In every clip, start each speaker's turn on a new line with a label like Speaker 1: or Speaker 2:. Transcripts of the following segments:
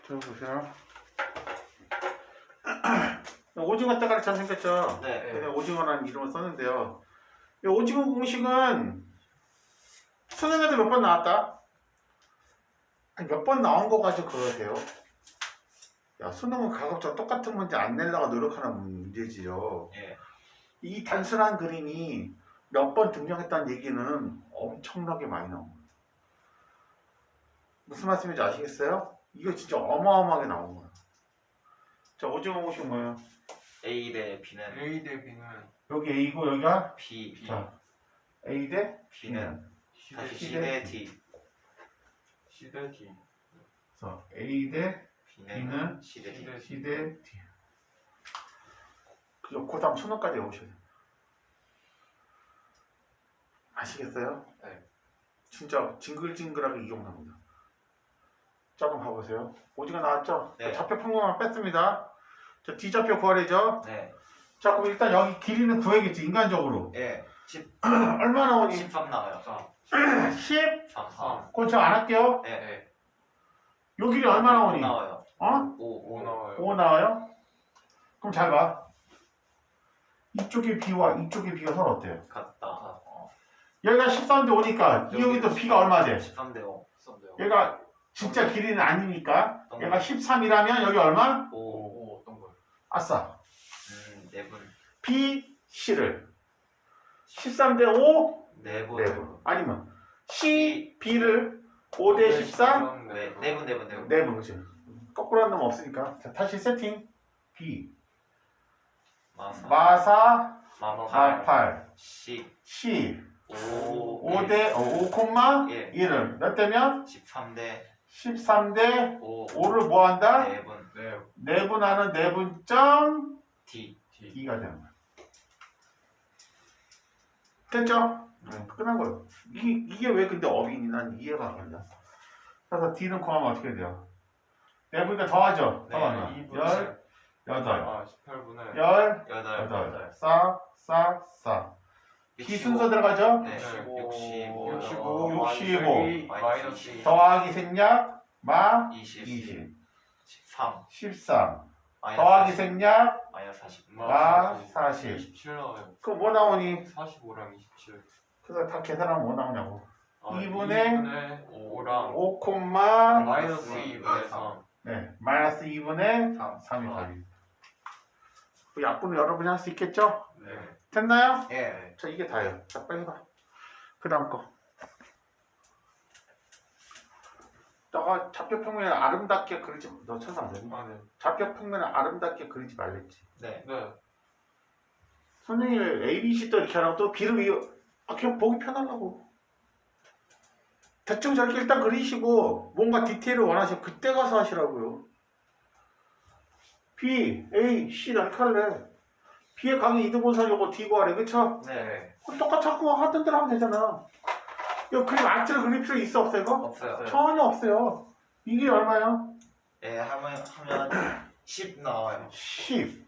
Speaker 1: 들어보세요. 오징어 때가리처럼 생겼죠?
Speaker 2: 네.
Speaker 1: 그래서 오징어라는 이름을 썼는데요. 이 오징어 공식은 수능에도 몇 번 나왔다? 몇 번 나온 거 가지고 그러세요. 야, 수능은 가급적 똑같은 문제 안 내려고 노력하는 문제지요.
Speaker 2: 예.
Speaker 1: 이 단순한 그림이 몇 번 등장했다는 얘기는 엄청나게 많이 나온 거예요. 무슨 말씀인지 아시겠어요? 이거 진짜 어마어마하게 나온 거예요. 자, 오징어 공식 뭐예요?
Speaker 2: A 대 B는
Speaker 3: A 대 B는
Speaker 1: 여기 A고 여기가
Speaker 2: B,
Speaker 1: 자, A 대
Speaker 2: B는 다시
Speaker 1: C
Speaker 2: C
Speaker 1: 대
Speaker 2: 대 D,
Speaker 3: C 대 D.
Speaker 1: 그래서 A 대
Speaker 2: B는
Speaker 1: B는
Speaker 2: C 대 D.
Speaker 1: C 대 D. 그죠? 그 다음 수능까지 오셔야 돼요. 아시겠어요?
Speaker 3: 네.
Speaker 1: 진짜 징글징글하게 이용합니다. 자, 그럼 봐보세요. 오징어 나왔죠?
Speaker 2: 네.
Speaker 1: 좌표 평균만 뺐습니다. 자, D좌표 구하래죠?
Speaker 2: 네.
Speaker 1: 자, 그럼 일단 여기 길이는 구해야겠지, 인간적으로.
Speaker 2: 예. 10,
Speaker 1: 얼마 나오니?
Speaker 2: 13 나와요.
Speaker 1: 10?
Speaker 2: 3,
Speaker 3: 3.
Speaker 1: 그건 저 안 할게요.
Speaker 2: 네.
Speaker 3: 네.
Speaker 1: 요 길이 얼마 나오니?
Speaker 2: 나와요.
Speaker 1: 어?
Speaker 2: 5.
Speaker 3: 5 나와요.
Speaker 1: 5 나와요? 그럼 잘 봐. 이쪽의 B와 이쪽의 B가 서로 어때요?
Speaker 2: 같다.
Speaker 1: 여기가 13대 5니까 이 여기 또 B가 얼마 돼?
Speaker 2: 13 대 5.
Speaker 1: 얘가 진짜 길이는 아니니까 얘가 13이라면 여기 얼마?
Speaker 2: 5.
Speaker 3: 5 어떤 거요?
Speaker 1: 아싸.
Speaker 2: 4분.
Speaker 1: B, C를 13대 5?
Speaker 2: 4분.
Speaker 1: 4분. 아니면 C, B를 5대 13?
Speaker 2: 네. 4분.
Speaker 1: 4분. 그치? 거꾸로 한 놈 없으니까. 자, 다시 세팅. B, 마사,
Speaker 2: 마사.
Speaker 1: 8,
Speaker 2: 10.
Speaker 1: C,
Speaker 2: 5.
Speaker 1: 5대 5,
Speaker 2: 예.
Speaker 1: 1을 몇 대면?
Speaker 2: 13대
Speaker 1: 13대
Speaker 2: 5.
Speaker 1: 5를 뭐 한다?
Speaker 2: 4분.
Speaker 3: 네.
Speaker 1: 내분하는 내분점
Speaker 2: D.
Speaker 3: D.
Speaker 1: D가 되는 거야. 됐죠? 끝난 거예요. 이게 왜 근데 어빈이 난 이해가 안 간다. 그래서 D는 구하면 어떻게 돼요? 내분이니까 더하죠?
Speaker 2: 네,
Speaker 1: 더하면
Speaker 3: 2분의
Speaker 1: 18,
Speaker 3: 아 18분의
Speaker 1: 18, 4. B 순서 들어가죠?
Speaker 2: 네.
Speaker 3: 65
Speaker 1: 65.
Speaker 3: 마이너스 2
Speaker 1: 더하기 생략, 마
Speaker 2: 20.
Speaker 1: 20,
Speaker 2: 13.
Speaker 1: 13.
Speaker 2: 마이너스
Speaker 1: 더하기
Speaker 2: 40.
Speaker 1: 생략,
Speaker 2: 마이너스 40.
Speaker 1: 마 40.
Speaker 3: 27 나와요.
Speaker 1: 그럼 뭐 나오니?
Speaker 3: 45랑 27.
Speaker 1: 그래서 다 계산하면 뭐 나오냐고.
Speaker 3: 아,
Speaker 1: 2분의
Speaker 3: 5랑
Speaker 1: 5,
Speaker 3: 마이너스 2분의 3.
Speaker 1: 네, 마이너스 2분의 3이 답이. 그 약분을 여러분이 할 수 있겠죠?
Speaker 3: 네.
Speaker 1: 됐나요?
Speaker 2: 예.
Speaker 1: 자, 이게 다예요. 자, 빨리 해봐. 그 다음 거. 너가 좌표 평면을 아름답게 그리지, 너 쳐서 안 되니?
Speaker 3: 아 네.
Speaker 1: 좌표 평면을 아름답게 그리지 말랬지.
Speaker 2: 네.
Speaker 3: 네.
Speaker 1: 선생님이 A, B, C 또 이렇게 하라고 또 B를 그냥 보기 편하려고. 대충 저렇게 일단 그리시고 뭔가 디테일을 원하시면 그때 가서 하시라고요. B, A, C 이렇게 할래. B의 강의 이등분선 요거 D 구하래. 그쵸?
Speaker 2: 네.
Speaker 1: 그럼 똑같이 하고 하던 대로 하면 되잖아. 이거 그림 아트를 그릴 필요 있어 없어 이거?
Speaker 2: 없어요.
Speaker 1: 전혀 없어요. 이게 얼마예요?
Speaker 2: 예, 하면 10 나와요.
Speaker 1: 10.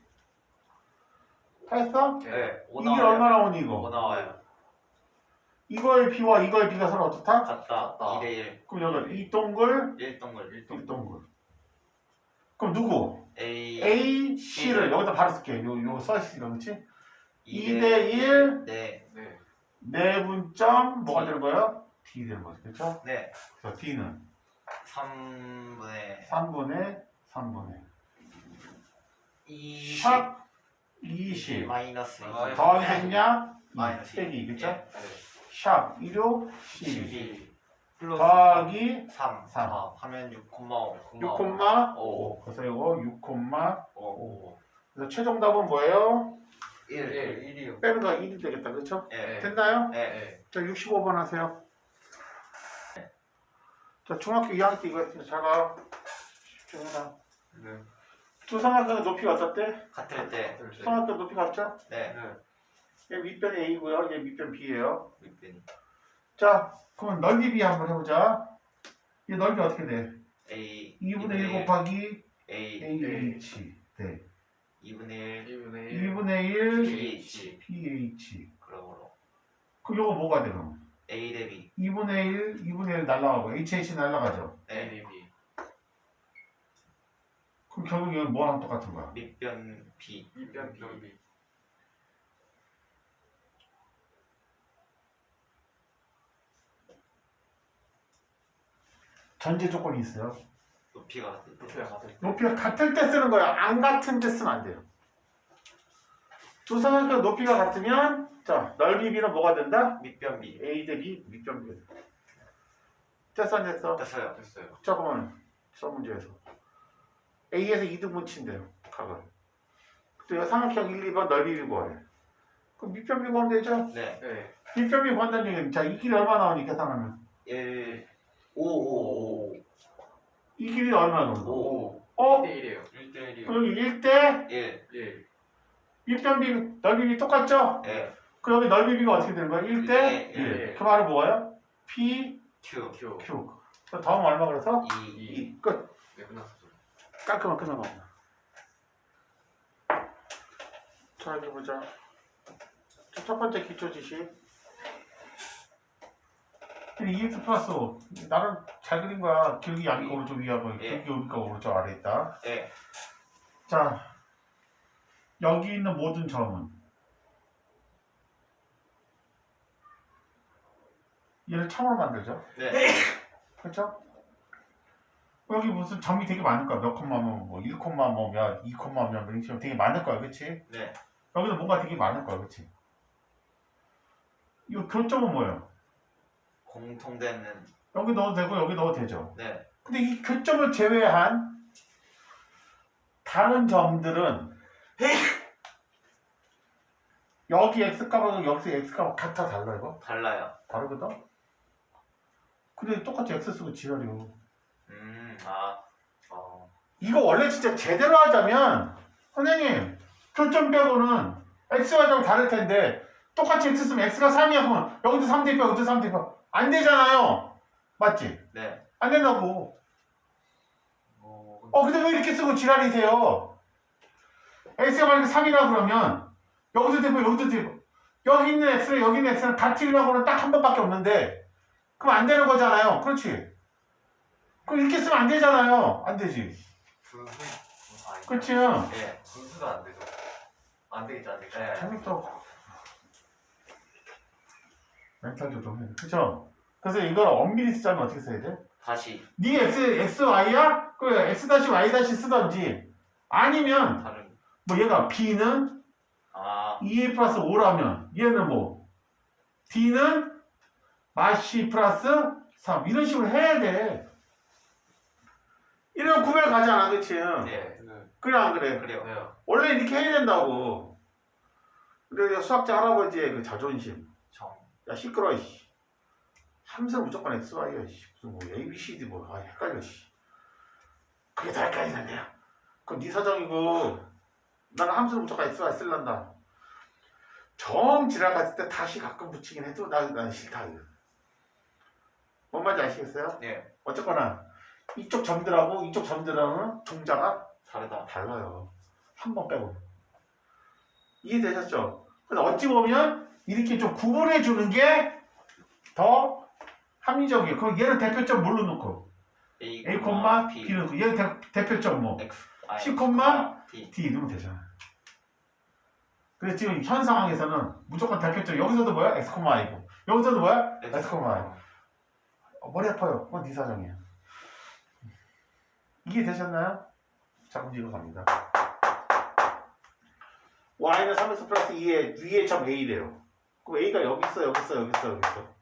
Speaker 1: 했어?
Speaker 2: 네. 5
Speaker 1: 이게
Speaker 2: 나와요.
Speaker 1: 얼마 나오니
Speaker 2: 5
Speaker 1: 이거?
Speaker 2: 나와요.
Speaker 1: 이거의 B와 이거의 B가 서로 어떻다?
Speaker 2: 같다. 2대 1.
Speaker 1: 그럼 여기 이 동글,
Speaker 2: 1동글.
Speaker 1: 이 동글. 그럼 누구?
Speaker 2: A.
Speaker 1: A, C를 여기다 바로 쓸게. 요 써있으니까 그렇지?
Speaker 2: 2대
Speaker 1: 2대1
Speaker 2: 네.
Speaker 3: 네.
Speaker 1: 내분점 뭐가
Speaker 2: D.
Speaker 1: 되는 거예요? D 되는 거죠. 그렇죠?
Speaker 2: 네.
Speaker 1: 그래서 D는
Speaker 2: 3분의
Speaker 1: 3분의
Speaker 2: 20.
Speaker 1: 샵 20.
Speaker 2: 마이너스 20.
Speaker 1: 더하기 생략
Speaker 2: 마이너스
Speaker 1: 2 그렇죠?
Speaker 2: 예.
Speaker 1: 샵 1호 12.
Speaker 2: 12. 플러스
Speaker 1: 더하기
Speaker 2: 3.
Speaker 1: 3.
Speaker 2: 하면 6,5.
Speaker 1: 6,5. 그래서 이거 6,5.
Speaker 2: 5.
Speaker 1: 그래서 최종 답은 뭐예요?
Speaker 2: 1.
Speaker 3: 1이요.
Speaker 1: 빼는 거 1이 되겠다. 그렇죠?
Speaker 2: 예.
Speaker 1: 됐나요?
Speaker 2: 예.
Speaker 1: 자, 65번 하세요. 자, 중학교 2학년 때 이거 했습니다. 잘 봐. 집중해라.
Speaker 3: 네.
Speaker 1: 두 삼각형의 높이가 어떻대?
Speaker 2: 같을 때.
Speaker 1: 삼각형 높이 같죠?
Speaker 2: 네.
Speaker 3: 네.
Speaker 1: 얘 밑변이 A고요. 얘 밑변 B예요.
Speaker 2: 밑변.
Speaker 1: 자, 그럼 넓이 B 한번 해보자. 얘 넓이 어떻게 돼?
Speaker 2: A.
Speaker 1: 2분의 1 곱하기
Speaker 2: A.
Speaker 1: AH. 네.
Speaker 2: 2분의 1.
Speaker 3: 2분의 1.
Speaker 1: 2분의 1
Speaker 2: PH.
Speaker 1: PH.
Speaker 2: 그러므로
Speaker 1: 그럼 요거 뭐가 돼, 그럼?
Speaker 2: A 대 B.
Speaker 1: 2분의 1 날라가고 HH 날라가죠.
Speaker 2: 네.
Speaker 3: A, B.
Speaker 1: 그럼 결국 이건 뭐랑 똑같은 거야?
Speaker 2: 밑변 B.
Speaker 3: 밑변 B.
Speaker 1: 전제 조건이 있어요.
Speaker 2: 높이가 같을 때.
Speaker 3: 높이가 같을 때.
Speaker 1: 높이가 같을 때 쓰는 거야. 안 같은 때 쓰면 안 돼요. 두 삼각형 높이가 같으면 자 넓이 B는 뭐가 된다?
Speaker 2: 밑변 B.
Speaker 1: A 대 B 밑변 B. 됐어 안 됐어?
Speaker 2: 됐어요.
Speaker 3: 됐어요.
Speaker 1: 잠깐만 수업 문제에서 A에서 2등분 친대요. 각을. 그때 삼각형 1, 2번 넓이 B 구하래. 그럼 밑변 B 구하면 되죠?
Speaker 2: 네.
Speaker 3: 네.
Speaker 1: 밑변 B 구한다는 얘기는 자 이 길이 얼마 나오니 계산하면
Speaker 2: 1 5 5
Speaker 1: 이 길이 얼마 나오니?
Speaker 2: 5
Speaker 1: 어?
Speaker 3: 1대1이에요. 1대1이요.
Speaker 1: 그럼 여기 1대
Speaker 2: 1.
Speaker 3: 1.
Speaker 1: 밑변 B 넓이 B 똑같죠?
Speaker 2: 네.
Speaker 1: 그 여기 넓이 B가 어떻게 되는 거야? 1대
Speaker 2: 1대
Speaker 1: 1. 그 말은 뭐예요? P
Speaker 2: Q.
Speaker 3: Q.
Speaker 1: Q. 그 다음 얼마 그래서?
Speaker 2: 2.
Speaker 1: 2. 끝.
Speaker 3: 네, 끝났어.
Speaker 1: 깔끔한 끝난 겁니다. 자, 이제 보자. 첫 번째 기초 지식. 2x 플러스 5. 나는 잘 그린 거야. 기울기 양니까 오른쪽 위하고,
Speaker 2: 예.
Speaker 1: 기울기 오니까 오른쪽 아래 있다.
Speaker 2: 네.
Speaker 1: 자, 여기 있는 모든 점은 얘를 참으로 만들죠.
Speaker 2: 네.
Speaker 1: 그렇죠? 여기 무슨 점이 되게 많을 거야. 몇 콤마면 뭐 1 콤마 뭐몇 2 콤마면 뭐 이런 되게 많을 거야. 그렇지?
Speaker 2: 네.
Speaker 1: 여기도 뭔가 되게 많을 거야. 그렇지? 이거 교점은 뭐예요?
Speaker 2: 공통되는.
Speaker 1: 여기 넣어도 되고 여기 넣어도 되죠.
Speaker 2: 네.
Speaker 1: 근데 이 교점을 제외한 다른 점들은 여기 x값하고 여기 x값하고 같아 달라 이거?
Speaker 2: 달라요.
Speaker 1: 다르거든? 근데 똑같이 x 쓰고 지랄이요.
Speaker 2: 아.
Speaker 1: 이거 원래 진짜 제대로 하자면 선생님 교점 빼고는 x와 좀 다를 텐데 똑같이 x 쓰면 x가 3이야 그러면 여기도 3 대입해 여기도 3 대입해 안 되잖아요. 맞지?
Speaker 2: 네.
Speaker 1: 안 된다고. 근데 왜 이렇게 쓰고 지랄이세요? x가 만약에 3이라 그러면 여기도 대입해 여기도 대입해 여기 있는 x랑 여기 있는 x랑 같으려고는 딱 한 번밖에 없는데 그럼 안 되는 거잖아요. 그렇지? 그럼 이렇게 쓰면 안 되잖아요. 안 되지.
Speaker 3: 분수. 아니.
Speaker 1: 그렇지?
Speaker 2: 네.
Speaker 3: 분수가 안 되죠. 안 되겠죠, 안 되겠죠.
Speaker 2: 네.
Speaker 1: 재밌어. 멘탈 조정해. 그쵸? 그래서 이걸 엄밀히 쓰자면 어떻게 써야 돼?
Speaker 2: 다시
Speaker 1: 네 x, y야? 그래, x 다시 y 다시 쓰던지. 아니면,
Speaker 2: 다른.
Speaker 1: 뭐 얘가 b는
Speaker 2: 아.
Speaker 1: 2a 플러스 5라면, 얘는 뭐, d는 마시 플러스 3. 이런 식으로 해야 돼. 이러면 구별 가잖아, 그치?
Speaker 2: 네.
Speaker 3: 네.
Speaker 1: 그래, 안 그래?
Speaker 2: 그래요.
Speaker 3: 네.
Speaker 1: 원래 이렇게 해야 된다고. 근데 수학자 할아버지의 그 자존심.
Speaker 2: 정.
Speaker 1: 야 시끄러워 씨. 함수는 무조건 XY야 씨. 무슨 뭐 ABCD 뭐 헷갈려 씨. 그게 다 헷갈리는데요. 그건 네 사정이고 나는 함수는 무조건 XY 쓸란다. 정 지나갔을 때 다시 가끔 붙이긴 해도 난 싫다 이거. 뭔 말인지 아시겠어요?
Speaker 2: 네.
Speaker 1: 어쨌거나 이쪽 점들하고 이쪽 점들하고는 종자가
Speaker 2: 다르다.
Speaker 1: 달라요. 한 번 빼고. 이해되셨죠? 근데 어찌 보면 이렇게 좀 구분해 주는 게 더 합리적이에요. 그럼 얘는 대표점 뭘로 놓고
Speaker 2: A,
Speaker 1: A,
Speaker 2: B.
Speaker 1: B로 놓고 얘는 대표점 뭐
Speaker 2: X, I,
Speaker 1: C,
Speaker 2: D.
Speaker 1: D 넣으면 되잖아. 그래서 지금 현 상황에서는 무조건 대표점 여기서도 뭐야? X, I고 여기서도 뭐야? X, I. 머리 아파요. 그건 네 사정이야. 이해되셨나요? 자, 문제 이거 갑니다. y는 3x 플러스 2의 위에 점 a래요. 그럼 a가 여기 있어, 여기 있어, 여기 있어, 여기 있어.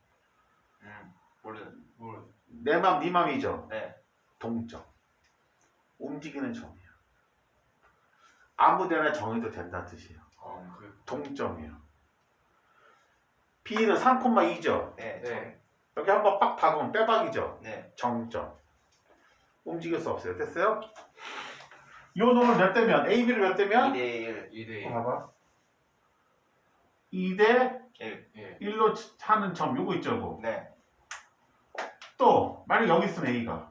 Speaker 2: 모르.
Speaker 1: 내 맘, 네 맘이죠.
Speaker 2: 네.
Speaker 1: 동점. 움직이는 점이에요. 아무데나 정해도 된다는 뜻이에요. 동점이에요. b는 3,2죠.
Speaker 2: 네.
Speaker 3: 네.
Speaker 1: 여기 한번 빡 박으면 빼박이죠.
Speaker 2: 네.
Speaker 1: 정점. 움직일 수 없어요. 됐어요? 이 놈을 몇 대면? AB를 몇 대면?
Speaker 2: 2대 1.
Speaker 3: 2대1.
Speaker 1: 봐봐. 2대
Speaker 2: 1.
Speaker 3: 예.
Speaker 1: 1로 하는 점 요거 있죠. 요거.
Speaker 2: 네.
Speaker 1: 또 만약 여기 있으면 A가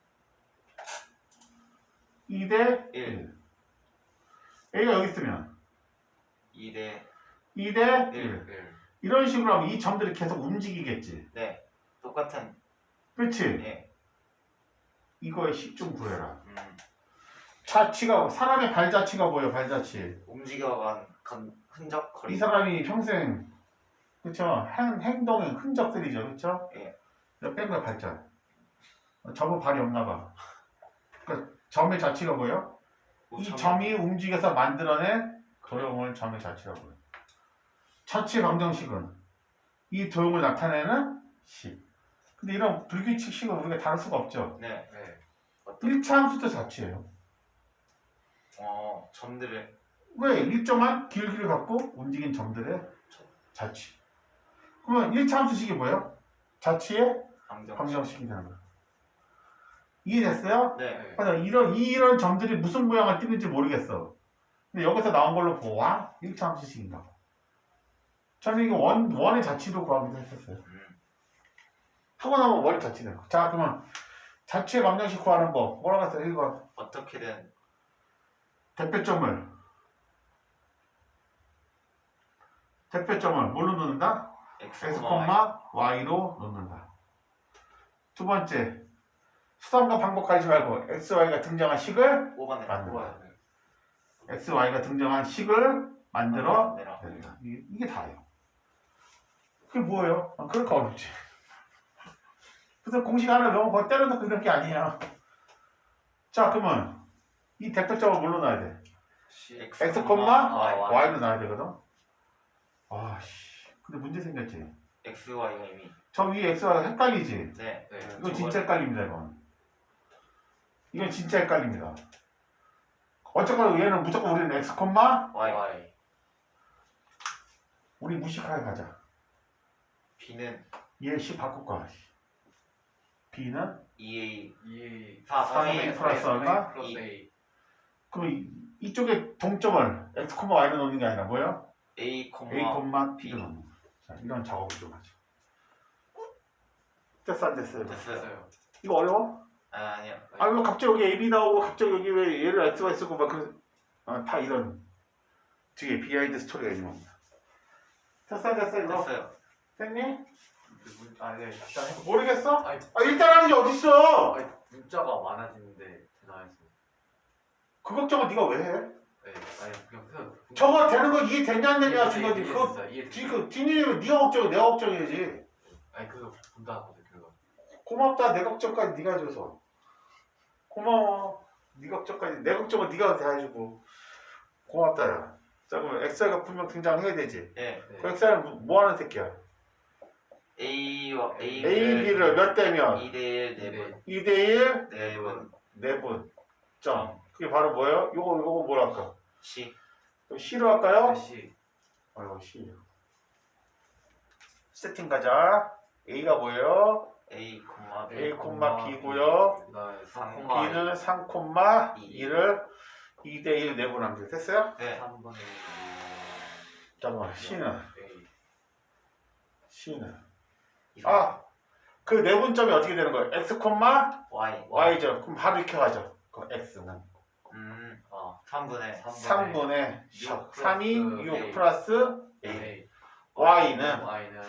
Speaker 1: 2대
Speaker 2: 1.
Speaker 1: A가 여기 있으면
Speaker 2: 2대
Speaker 1: 2대 1
Speaker 3: 1.
Speaker 1: 이런 식으로 하면 이 점들이 계속 움직이겠지.
Speaker 2: 네. 똑같은.
Speaker 1: 그렇지?
Speaker 2: 네.
Speaker 1: 이거의 식 좀 구해라. 자취가 사람의 발자취가 뭐예요? 발자취.
Speaker 2: 움직여간 흔적 거리.
Speaker 1: 이 사람이 평생 그쵸? 행동의 흔적들이죠, 그쵸?
Speaker 2: 예.
Speaker 1: 내가 뺀 거야 발자. 점은 발이 없나 봐. 그러니까 점의 자취가 뭐예요? 이 점이 움직여서 만들어낸 도형을 점의 자취라고 해요. 자취의 방정식은 이 도형을 나타내는 식. 근데 이런 불규칙 식을 우리가 다룰 수가 없죠.
Speaker 2: 네.
Speaker 3: 네.
Speaker 1: 1차 함수도 자취예요.
Speaker 2: 점들을.
Speaker 1: 왜? 일정한 길이를 갖고 움직인 점들의 자취. 그러면 1차 함수식이 뭐예요? 자취의 방정식이 되는 거예요. 이해됐어요?
Speaker 2: 네.
Speaker 1: 맞아. 이런 점들이 무슨 모양을 띠는지 모르겠어. 근데 여기서 나온 걸로 보아 1차 함수식인가 봐. 저는 이거 원의 자취로 구하기도 했었어요. 하고 나면 원의 자취네요. 자, 그러면 자취의 방정식 구하는 법. 뭐라고 했어요? 1번.
Speaker 2: 어떻게든
Speaker 1: 대표점을 뭘로 놓는다?
Speaker 2: x,
Speaker 1: x,
Speaker 2: y.
Speaker 1: y로 놓는다. 두 번째, 수단과 반복하지 말고 x, y가 등장한 식을
Speaker 2: 5번에
Speaker 1: 만든다. x, y가 등장한 식을 만들어
Speaker 2: 내라.
Speaker 1: 낸다. 이게 다예요. 그게 뭐예요? 그러니까 어렵지. 그래서 공식 하나 외우면 그거 때려놓고 이런 게 아니에요. 자, 그러면 이 대표점을 뭘로 놔야 돼? x, y로 놔야 되거든. 아씨, 근데 문제 생겼지.
Speaker 2: x, y가 이미.
Speaker 1: 저 위에 x, y가 헷갈리지.
Speaker 2: 네.
Speaker 3: 네.
Speaker 1: 이건 진짜 헷갈립니다. 이건 진짜 헷갈립니다. 어쨌거나 얘는 무조건 우리는 x,
Speaker 2: y.
Speaker 1: 우리 무식하게 가자.
Speaker 2: b는
Speaker 1: 얘 식 바꿀 거야. b는
Speaker 2: 2a
Speaker 1: 3a 플러스 얼마?
Speaker 3: 플러스 a.
Speaker 1: 그럼 이쪽에 동점을 x, y로 놓는 게 아니라 뭐예요?
Speaker 2: a,
Speaker 1: a, b로 놓는 거야. 자, 이런 작업을 좀 하자. 됐어 안 됐어요?
Speaker 2: 됐어요.
Speaker 1: 이거 어려워?
Speaker 2: 아니요.
Speaker 1: 왜 갑자기 여기 a, b 나오고 갑자기 여기 왜 얘를 x가 쓰고 막 다 이런 뒤에 비하인드 스토리가 있는 겁니다. 됐어 이거?
Speaker 2: 됐어요.
Speaker 1: 됐니?
Speaker 3: 네, 일단 해보.
Speaker 1: 모르겠어?
Speaker 3: 아니,
Speaker 1: 일단 하는 게 어딨어?
Speaker 3: 아니, 문자가 많아지는데 대단해서.
Speaker 1: 그 걱정은 네가 왜 해?
Speaker 3: 네. 아니 그냥
Speaker 1: 저거 되는 거 이해되냐 안 되냐 중요하지. 그거
Speaker 3: 이해.
Speaker 1: 뒷일이면 네가 걱정해 내가 걱정해야지.
Speaker 3: 아니 그거 본다거든 그거.
Speaker 1: 고맙다. 내 걱정까지 네가 해줘서 고마워. 네 걱정까지 내 걱정은 네가 다 해주고 고맙다. 야. 자 그러면 XR가 분명 등장해야 되지.
Speaker 2: 네.
Speaker 1: 그 XR은 뭐 하는 새끼야?
Speaker 2: a와
Speaker 1: A, B를 몇 대면?
Speaker 2: 2대1 4분.
Speaker 1: 2대1
Speaker 2: 4분.
Speaker 1: 4분 점. 그게 바로 뭐예요? 요거 뭐라 할까?
Speaker 2: c.
Speaker 1: 그럼 C로 할까요?
Speaker 3: 시.
Speaker 1: C. 세팅 가자. A가 뭐예요?
Speaker 2: a,
Speaker 1: A, B고요. B는 3,2를 2대1 내분한 게 됐어요?
Speaker 2: 네.
Speaker 3: 3분의
Speaker 1: 잠깐만 C는 그 내분점이 어떻게 되는 거예요? X,
Speaker 2: y.
Speaker 1: Y죠. 그럼 바로 이렇게 가죠. 그 X는
Speaker 2: 3분의
Speaker 1: 3분의 3이 6
Speaker 2: A.
Speaker 1: 플러스 A.
Speaker 3: A.
Speaker 1: Y는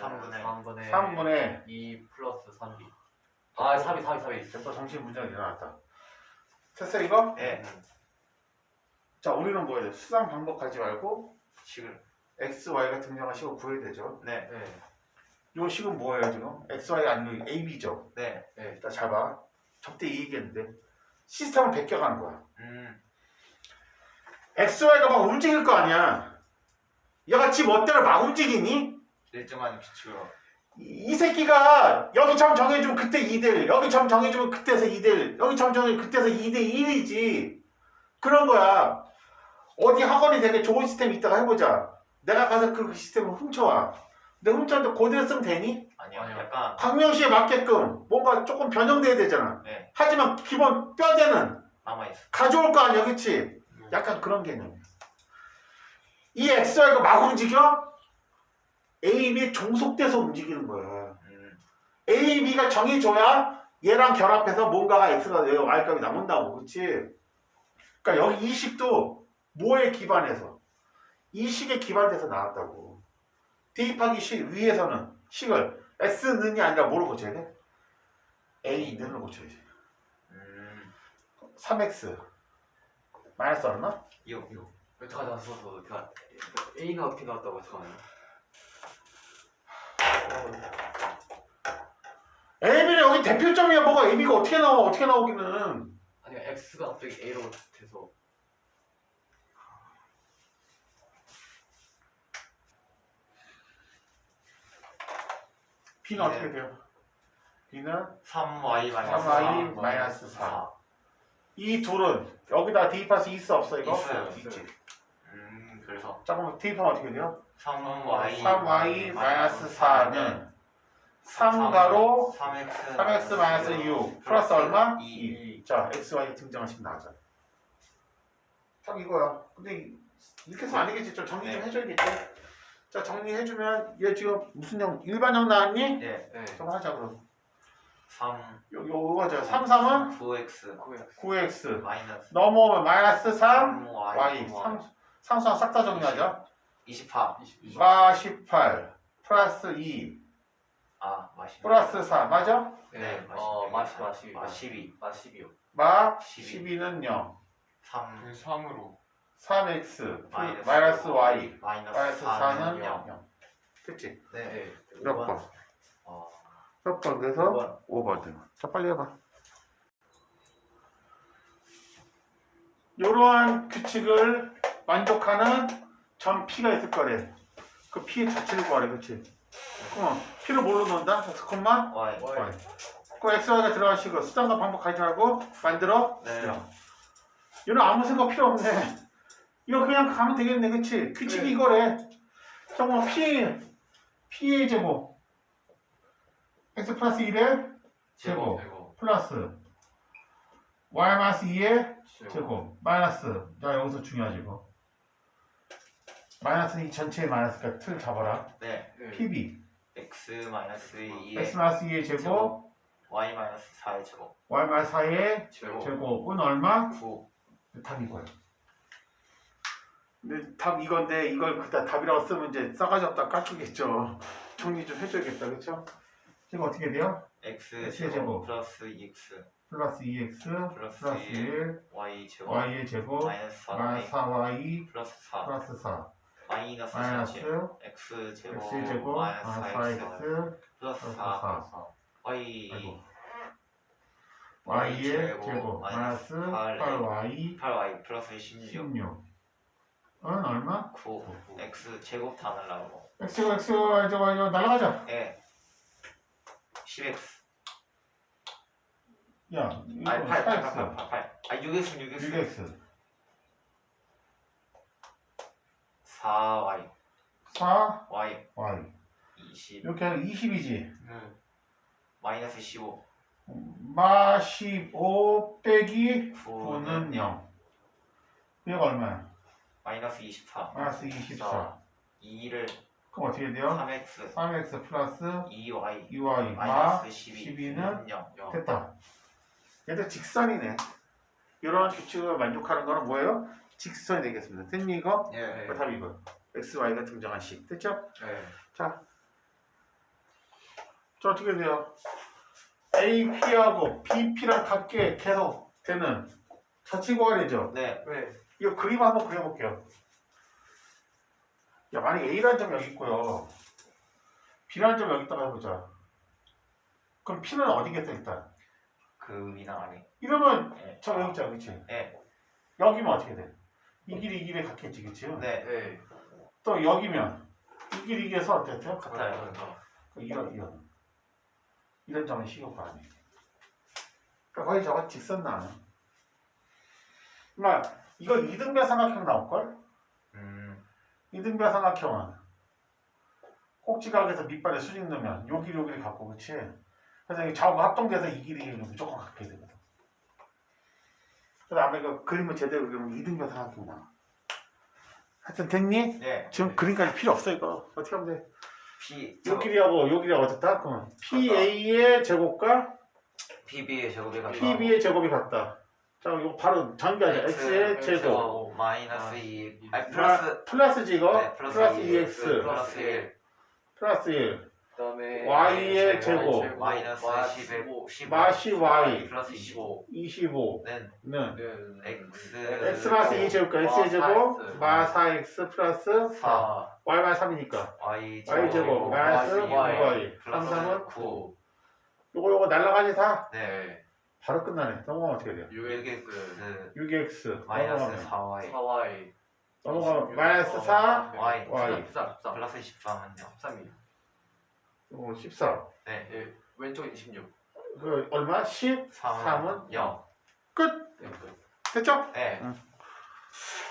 Speaker 3: 3분의 2 플러스 3b. 3이.
Speaker 1: 또 정신 문제가 일어났다. 됐어 이거?
Speaker 2: 네.
Speaker 1: 자 우리는 뭐예요? 수상 반복하지 말고
Speaker 2: 식을.
Speaker 1: X, Y가 등장한 식을 구해야 되죠.
Speaker 2: 네.
Speaker 1: 이 식은 뭐예요 지금? X, Y가 아니고 A, B죠.
Speaker 2: 네.
Speaker 1: 일단 잘 봐. 접대 이 얘기했는데 시스템을 베껴가는 거야. X, Y가 막 움직일 거 아니야. 얘가 지 멋대로 막 움직이니?
Speaker 2: 일정한 기초로.
Speaker 1: 이 새끼가 여기 점 정해주면 그때 2대1 여기 점 정해주면 그때서 2대1 여기 점 정해주면 그때서 2대1이지. 그런 거야. 어디 학원이 되게 좋은 시스템이 있다가 해보자. 내가 가서 그 시스템을 훔쳐와. 근데 훔쳐왔는데 그대로 쓰면 되니?
Speaker 2: 아니요.
Speaker 3: 아니요.
Speaker 2: 약간
Speaker 1: 광명시에 맞게끔 뭔가 조금 변형돼야 되잖아.
Speaker 2: 네.
Speaker 1: 하지만 기본 뼈대는
Speaker 2: 남아있어.
Speaker 1: 가져올 거 아니야, 그치? 약간 그런 개념이야. 이 XY가 막 움직여? A, B 종속돼서 움직이는 거야. A, B가 정해줘야 얘랑 결합해서 뭔가가 X가 되고 Y값이 남는다고, 그치? 그러니까 여기 이 식도 뭐에 기반해서? 이 식에 기반돼서 나왔다고. 대입하기 식 위에서는 식을 X는이 아니라 뭐로 고쳐야 돼? A는을 고쳐야지. 3X 마이너스 얼마?
Speaker 2: 6.
Speaker 3: 잠깐 썼어. 제가 A가 어떻게 나왔다고 잠깐만요.
Speaker 1: AB는 여기 대표점이야. 뭐가 AB가 어떻게 나와? 어떻게 나오기는.
Speaker 3: 아니 X가 갑자기 A로 돼서
Speaker 1: B는 어떻게 돼요? B는
Speaker 2: 3y 마이너스
Speaker 1: 3y 마이너스 4. 이 둘은 여기다 대입할 수 있어 없어 이거?
Speaker 2: 있어요.
Speaker 1: 있지.
Speaker 2: 그래서
Speaker 1: 잠깐만 대입하면 어떻게 돼요?
Speaker 2: 3y
Speaker 1: 마이너스 4는 3가로 3x 마이너스 6 플러스 얼마?
Speaker 2: 2.
Speaker 1: 자, xy 등장하시면 나가잖아. 딱 이거야. 근데 이렇게 해서 안 되겠지. 좀 정리 좀
Speaker 2: 네.
Speaker 1: 해줘야겠지. 자, 정리해주면 얘 지금 무슨 형 일반형 나왔니?
Speaker 2: 네.
Speaker 3: 네.
Speaker 1: 좀 하자 그럼.
Speaker 2: 3
Speaker 1: 요거 하자. 3, 3은
Speaker 2: 9x
Speaker 1: 9x
Speaker 2: 마이너스
Speaker 1: 넘어오면 마이너스 3
Speaker 2: 3y
Speaker 1: y 상수항 싹 다 정리하자.
Speaker 2: 28.
Speaker 1: 마 18 플러스 2
Speaker 2: 마시.
Speaker 1: 플러스 4 맞아?
Speaker 2: 네.
Speaker 3: 마시
Speaker 2: 12.
Speaker 3: 12요.
Speaker 1: 마
Speaker 2: 12.
Speaker 1: 12는 0
Speaker 2: 3
Speaker 4: 3으로
Speaker 1: 3x 마이너스 y
Speaker 2: 마이너스
Speaker 1: 마이너스
Speaker 2: 4는
Speaker 1: 4는
Speaker 2: 0.
Speaker 1: 0 됐지?
Speaker 3: 네.
Speaker 1: 몇 번?
Speaker 2: 어,
Speaker 1: 몇 번? 그래서 5번. 자 빨리 해봐. 이러한 규칙을 만족하는 점 P가 있을 거래. 그 P의 자체를 구하래. 그치? P를 뭘로 넣는다? x,
Speaker 2: y.
Speaker 1: y. 그 XY가 들어가시고 수단과 방법 가지고 만들어?
Speaker 2: 네.
Speaker 1: 이건 아무 생각 필요 없네. 이거 그냥 가면 되겠네. 그치? 규칙이
Speaker 3: 네.
Speaker 1: 이거래. 정말 P의 제곱 x 플러스 1의 제곱 플러스 y 마이너스 2의 제곱 마이너스 자 여기서 중요하지 이거 마이너스 이 전체의 마이너스니까 틀 잡아라.
Speaker 2: 네.
Speaker 1: PB
Speaker 2: x 마이너스 2의
Speaker 1: x 마이너스 2의 제곱
Speaker 2: y 마이너스 4의 제곱.
Speaker 1: y 마이너스 4의 제곱은 얼마?
Speaker 2: 9.
Speaker 1: 답 이거야. 근데 답 이건데 이걸 그다 답이라고 쓰면 이제 싸가지 없다 깎이겠죠. 정리 좀 해줘야겠다. 그쵸? 지금 어떻게 돼요?
Speaker 2: x
Speaker 1: 제곱.
Speaker 2: 제곱 플러스 2x
Speaker 1: 플러스 2x
Speaker 2: 플러스
Speaker 1: 플러스 1
Speaker 2: y 제곱
Speaker 1: y의 제곱
Speaker 2: 마이너스
Speaker 1: 마이너스
Speaker 2: 4y
Speaker 1: 4y
Speaker 2: 플러스 4
Speaker 1: 플러스 4
Speaker 2: 마이너스
Speaker 1: 마이너스
Speaker 2: 4 x 제곱
Speaker 1: x 제곱
Speaker 2: 마이너스
Speaker 1: 마이너스
Speaker 2: 4x
Speaker 1: 4x
Speaker 2: 플러스
Speaker 1: 플러스
Speaker 2: 4
Speaker 1: 4
Speaker 2: y
Speaker 1: 아이고 y의 제곱 마이너스 8y
Speaker 2: 8y 플러스 16
Speaker 1: 16은 얼마?
Speaker 2: 9 x 제곱 다 날라오고
Speaker 1: x가 이거 날아가자.
Speaker 2: 예 10x
Speaker 1: 야 이거
Speaker 2: 8
Speaker 1: 4x
Speaker 2: 6x
Speaker 1: 6x
Speaker 2: 4y
Speaker 1: 4
Speaker 2: y
Speaker 1: y
Speaker 2: 20
Speaker 1: 이렇게 하면 20이지.
Speaker 2: 마이너스 15
Speaker 1: 마 15 빼기
Speaker 2: 9는
Speaker 1: 9는 0 얘가 얼마야?
Speaker 2: 마이너스 24
Speaker 1: 마이너스 24
Speaker 2: 2를
Speaker 1: 그럼 어떻게 돼요?
Speaker 2: 3x
Speaker 1: 3x 플러스
Speaker 2: 2y
Speaker 1: 2y 마
Speaker 2: 마이너스 12는
Speaker 1: 12는
Speaker 2: 0
Speaker 1: 됐다. 얘도 직선이네. 이런 규칙을 만족하는 거는 뭐예요? 직선이 되겠습니다. 됐니 이거?
Speaker 2: 예.
Speaker 1: 그 답이 이거. x, y가 등장한 식. 됐죠?
Speaker 3: 네.
Speaker 1: 자 어떻게 돼요? A, P하고 B, P랑 같게 계속 되는 자치구간이죠.
Speaker 2: 네.
Speaker 3: 네.
Speaker 1: 이거 그림 한번 그려볼게요. 야, 만약에 A라는 점 여기 있고요. B라는 점 여기 있다가 해보자. 그럼 P는 어디겠어 일단?
Speaker 2: 그 위나 아래.
Speaker 1: 이러면
Speaker 2: 네.
Speaker 1: 저 여기 있잖아, 그치?
Speaker 2: 네.
Speaker 1: 여기면 어떻게 돼? 이 길이 이 길에 같겠지, 그치?
Speaker 2: 네.
Speaker 3: 네.
Speaker 1: 또 여기면 이 길이 이게서 어땠죠?
Speaker 2: 같아요.
Speaker 1: 이런 점은 식용과 아니에요. 그러니까 거의 저거 직선 나는. 그러니까 이거 이등변 삼각형 나올걸? 이등변 삼각형은 꼭지각에서 밑반에 수직 넣으면 요 길이 갖고 그치? 그래서 이 좌우가 합동돼서 이 길이 무조건 갖게 되거든. 그래서 아마 이거 그림을 제대로 그리면 이등변 삼각형 나와. 하여튼 됐니?
Speaker 2: 네.
Speaker 1: 지금 그림까지 필요 없어 이거. 어떻게 하면 돼?
Speaker 2: P
Speaker 1: 요 길이하고 요 길이가 어떻다? 그러면 PA의 제곱과
Speaker 2: PB의 제곱이 같다.
Speaker 1: PB의 제곱이 같다. 자, 이거 바로 전개하자. X의 제곱.
Speaker 2: 마이너스 2.
Speaker 1: 플러스지 이거?
Speaker 2: 네, 플러스
Speaker 1: 2X
Speaker 2: 플러스 1.
Speaker 1: 플러스 1.
Speaker 3: 그다음에
Speaker 1: Y의 제곱.
Speaker 2: 마이너스
Speaker 3: 15
Speaker 1: 마시 Y
Speaker 2: 플러스 25는
Speaker 1: 25는
Speaker 2: x
Speaker 1: x 마이너스 2 제곱과 x의 제곱 마 4x 플러스 4 y 마이너스 3이니까
Speaker 2: y
Speaker 1: y 제곱 마이너스
Speaker 3: Y.
Speaker 1: 9y
Speaker 2: 플러스
Speaker 1: 33은
Speaker 2: 9
Speaker 1: 요거 날라가지 다
Speaker 2: 네
Speaker 1: 바로 끝나네. 넘어가면 어떻게 돼요?
Speaker 3: 6x
Speaker 1: 6x
Speaker 2: 마이너스
Speaker 1: 넘어가면
Speaker 2: 4y
Speaker 3: 4y
Speaker 1: 넘어가면 마이너스 4
Speaker 2: y
Speaker 1: y
Speaker 3: 14
Speaker 2: 플러스 13은요
Speaker 3: 13이
Speaker 1: 요거 14
Speaker 2: 네
Speaker 3: 예, 왼쪽이 26
Speaker 1: 그 얼마? 13은
Speaker 2: 3은 0
Speaker 1: 끝!
Speaker 3: 네,
Speaker 1: 됐죠?
Speaker 2: 네
Speaker 1: 응.